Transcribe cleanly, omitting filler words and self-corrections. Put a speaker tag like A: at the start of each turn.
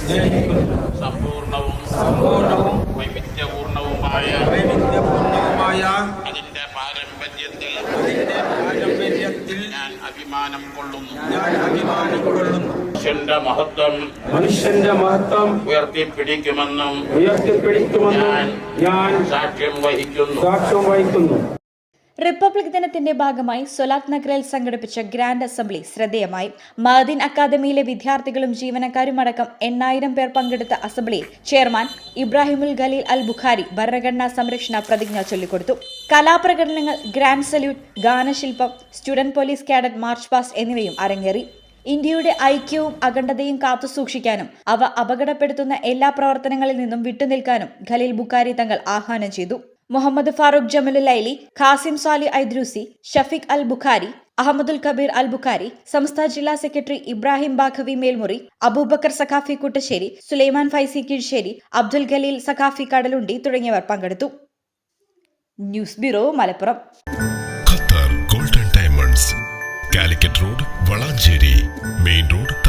A: സമ്പൂർണവും വൈവിധ്യപൂർണവുമായ അതിന്റെ പാരമ്പര്യത്തിൽ ഞാൻ അഭിമാനം കൊള്ളുന്നു. മനുഷ്യന്റെ മഹത്വം ഉയർത്തിപ്പിടിക്കുമെന്നും ഞാൻ സാക്ഷ്യം വഹിക്കുന്നു.
B: റിപ്പബ്ലിക് ദിനത്തിന്റെ ഭാഗമായി സൊലാത്ത് നഗറിൽ സംഘടിപ്പിച്ച ഗ്രാൻഡ് അസംബ്ലി ശ്രദ്ധേയമായി. മഅദിൻ അക്കാദമിയിലെ വിദ്യാർത്ഥികളും ജീവനക്കാരുമടക്കം 8000 പേർ പങ്കെടുത്ത അസംബ്ലിയിൽ ചെയർമാൻ ഇബ്രാഹിമുൽ ഖലീൽ അൽ ബുഖാരി ഭരണഘടനാ സംരക്ഷണ പ്രതിജ്ഞ ചൊല്ലിക്കൊടുത്തു. കലാപ്രകടനങ്ങൾ, ഗ്രാൻഡ് സല്യൂട്ട്, ഗാനശില്പം, student police cadet march past എന്നിവയും അരങ്ങേറി. ഇന്ത്യയുടെ ഐക്യവും അഖണ്ഡതയും കാത്തുസൂക്ഷിക്കാനും അവ അപകടപ്പെടുത്തുന്ന എല്ലാ പ്രവർത്തനങ്ങളിൽ നിന്നും വിട്ടുനിൽക്കാനും ഖലീൽ ബുഖാരി തങ്ങൾ ആഹ്വാനം ചെയ്തു. മുഹമ്മദ് ഫാറൂഖ് ജമലുലൈലി, ഖാസിം സാലി ഐദ്രൂസി, ഷഫീഖ് അൽ ബുഖാരി, അഹമ്മദുൽ കബീർ അൽ ബുഖാരി, സംസ്ഥാന ജില്ലാ സെക്രട്ടറി ഇബ്രാഹിം ബാഖവി മേൽമുറി, അബൂബക്കർ സഖാഫി കുട്ടശ്ശേരി, സുലൈമാൻ ഫൈസി കീഴ്ശ്ശേരി, അബ്ദുൽ ഖലീൽ സഖാഫി കടലുണ്ടി തുടങ്ങിയവർ പങ്കെടുത്തു. News bureau, Malappuram.
C: Qatar golden diamonds, Calicut road, Valanchery main road.